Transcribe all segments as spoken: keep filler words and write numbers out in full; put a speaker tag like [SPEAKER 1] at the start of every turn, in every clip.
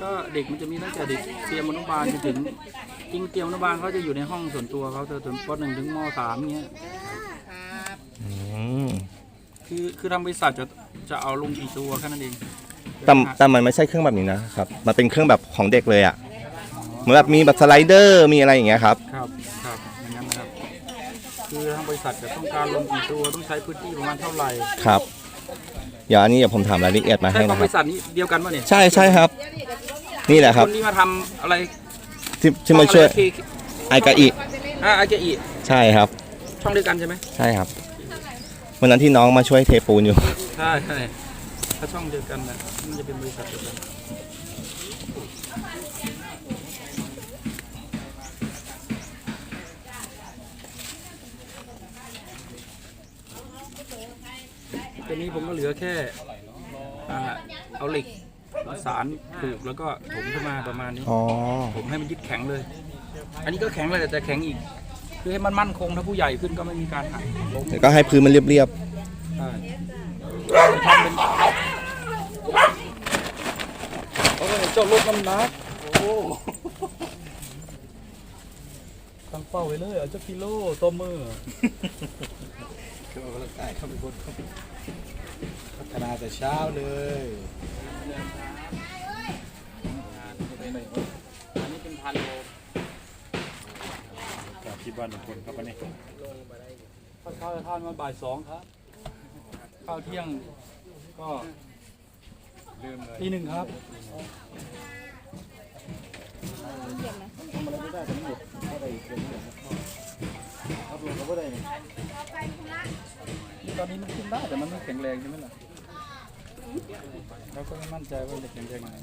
[SPEAKER 1] ก็เด็กมันจะมีตั้งแต่เด็กเตรียมอนุบาลจนถึงจริงเตรียมอนุบาลเขาจะอยู่ในห้องส่วนตัวเขาเธอถึงป.หนึ่งถึงม.สามเงี้ยคือคือทางบริษัทจะจะเอาลงกี่ตัวแค่นั้นเอง
[SPEAKER 2] แต่แต่มันไม่ใช่เครื่องแบบนี้นะครับมันเป็นเครื่องแบบของเด็กเลยอ่ะเหมือนแบบมีแบบสไลเดอร์มีอะไรอย่างเงี้ยครับ
[SPEAKER 1] ครับครับอย่างนั้นนะครับคือทางบริษัทจะต้องการลงกี่ตัวต้องใช้พื้นที่ประมาณเท่าไหร่
[SPEAKER 2] ครับเดี๋ยวอันนี้เดี๋ยวผมถามรายละเอียดมาให้นะครับ
[SPEAKER 1] บริษัทนี้เดียวกันป่ะเนี่ย
[SPEAKER 2] ใช่ใช่ครับนี่แหละครับ
[SPEAKER 1] คนที่มาทำอะไร
[SPEAKER 2] ที่ที่มาช่วยไอกาอิ
[SPEAKER 1] อ่าไอกาอิ
[SPEAKER 2] ใช่ครับ
[SPEAKER 1] ช่องเดียวกันใช่ไหม
[SPEAKER 2] ใช่ครับวันนั้นที่น้องมาช่วยเทปูนอยู่
[SPEAKER 1] ใช่ใช่ถ้าช่องเดียวกันนะมันจะเป็นบริษัทเดียวกันตอนนี้ผมก็เหลือแค่เอาเหล็กสารผูกแล้วก็ถมขึ้นมาประมาณนี้ผมให้มันยึดแข็งเลยอันนี้ก็แข็งเลยแต่แข็งอีกคือให้มันมั่นคงถ้าผู้ใหญ่ขึ้นก็ไม่มีการหักล้ม
[SPEAKER 2] ก็ให้พื้นมันเรียบ
[SPEAKER 1] ๆใช่ทำเป็นโอ้ยเจ้าลดน้ำหนักโอ้ตั้งเป้าไว้เลยเอาเจ้ากิโลตัวมือเข้าไปใต้เข้าไปบนพัฒนาแต่เช้าเลยอันนี้เป็นพันโลกับที่บ้านทุกคนครับวันนี้ข้าวเช้าจะทานมาบ่ายสองครับข้าวเที่ยงก็ตีหนึ่งครับทำอะไรไม่ได้ทั้งหมดอะไรอีกเรื่องนึงครับรวมก็ไม่ได้ตอนนี้มันขึ้นได้แต่มันไม่แข็งแรงใช่ไหมล่ะเราก็ไม่มั่นใจว่าจะแข็งแรงไหม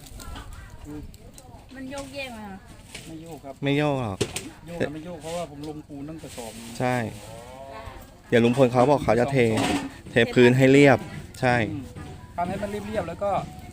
[SPEAKER 3] มันโยกเยกไหมคะ
[SPEAKER 1] ไม่โยกครับ
[SPEAKER 2] ไม่โยกหรอก
[SPEAKER 1] โยกไม่โยกเพราะว่าผมลงปูนตั้งแต่สอบ
[SPEAKER 2] ใช่เดี๋ยวลุงพลเขาบอกเขาจะเทเทพื้นให้เรียบใช่
[SPEAKER 1] ทำให้มันเรียบๆแล้วก็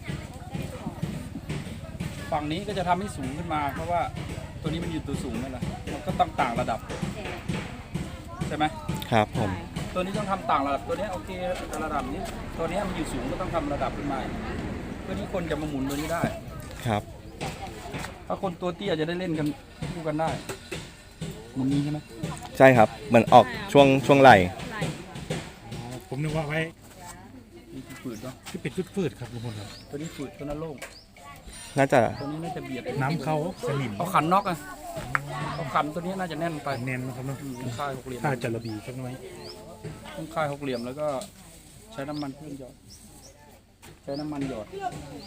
[SPEAKER 1] ฝั่งนี้ก็จะทำให้สูงขึ้นมาเพราะว่าตัวนี้มันอยู่ตัวสูงนั่นแหละมันก็ต้องต่างระดับใช่ไหม
[SPEAKER 2] ครับผม
[SPEAKER 1] ตัวนี้ต้องทำต่างระดับตัวนี้โอเคระดับนี้ตัวนี้มันอยู่สูงก็ต้องทำระดับขึ้นมาเพื่อที่คนจะมาหมุนตัวนี้ได้
[SPEAKER 2] ครับ
[SPEAKER 1] ถ้าคนตัวเตี้ยจะได้เล่นกันคู่กันได้มันนี้ใช่ไหม
[SPEAKER 2] ใช่ครับเหมือนออกช่วงช่วงไหล่
[SPEAKER 4] ผมนึกว่าไว้
[SPEAKER 1] ฝืดเนาะ
[SPEAKER 4] ที่เป็นฝืดๆครับทุกคนครับ
[SPEAKER 1] ตัวนี้ฝืดตัวนั้นโล่ง
[SPEAKER 2] น่าจะ
[SPEAKER 1] ตัวนี้น่าจะเบียด
[SPEAKER 4] น้ำเขาสนิม
[SPEAKER 1] เอาขันน็อกอ่ะเอาขันตัวนี้น่าจะแน่นไป
[SPEAKER 4] แน่นนะครับเนาะ
[SPEAKER 1] ค่ายหกเหลี่ยม
[SPEAKER 4] ค่าจะระบีสักน้อย
[SPEAKER 1] ต้องค่ายหกเหลี่ยมแล้วก็ใช้น้ำมันเครื่องหยอดใช้น้ำมันหยอด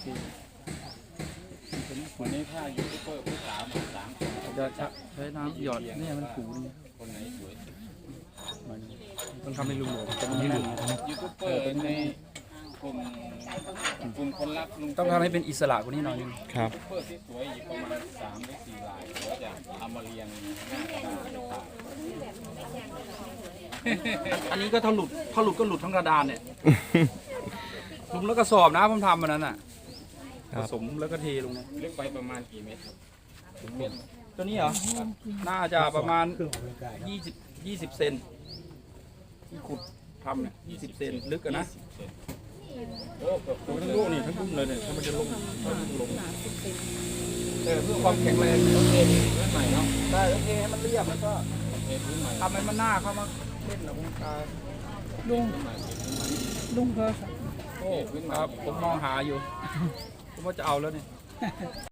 [SPEAKER 1] วันนี้ค่ายูทูบเบอร์ผู้สามสามจะใช้น้ำหยอดนี่มันผูนี่คนไหนสวยต้องทำให้ลุงหลวงจะไม่หลุดยูทูบเบอร์ในกลุ่มกลุ่มคนรักลุงต้องทำให้เป็นอิสระกว่านี้หน่อยนึง
[SPEAKER 2] ครับ
[SPEAKER 1] เพื่อที่สวยอีกประมาณสามหรือสี่ลายเราจะเอามาเรียงหน้ากระดาษอันนี้ก็ถ้าหลุดถ้าหลุดก็หลุดทั้งกระดานเนี่ยลุงแล้วก็สอบนะผมทำมันนั้นอ่ะผสมแล้วก็เทลงเนี่ยเล็กไปประมาณกี่เมตรตัวนี้เหรอน่าจะประมาณยี่สิบยี่สิบเซนที่ขุดทำเนี่ยยี่สิบเซนลึกกันนะโอ้ทั้งลูกนี่ทั้งลุ่มเลยเนี่ยถ้ามันจะลงถ้ามันลงเออเพื่อความแข็งแรงโอเคพื้นใหม่เนาะได้โอเคให้มันเรียบแล้วก็ทำให้มันหน้าเข้ามาเล่นนะคุณตาลุงลุงเพิ่มโอ้ครับผมมองหาอยู่ผมว่าจะเอาแล้วเนี่ย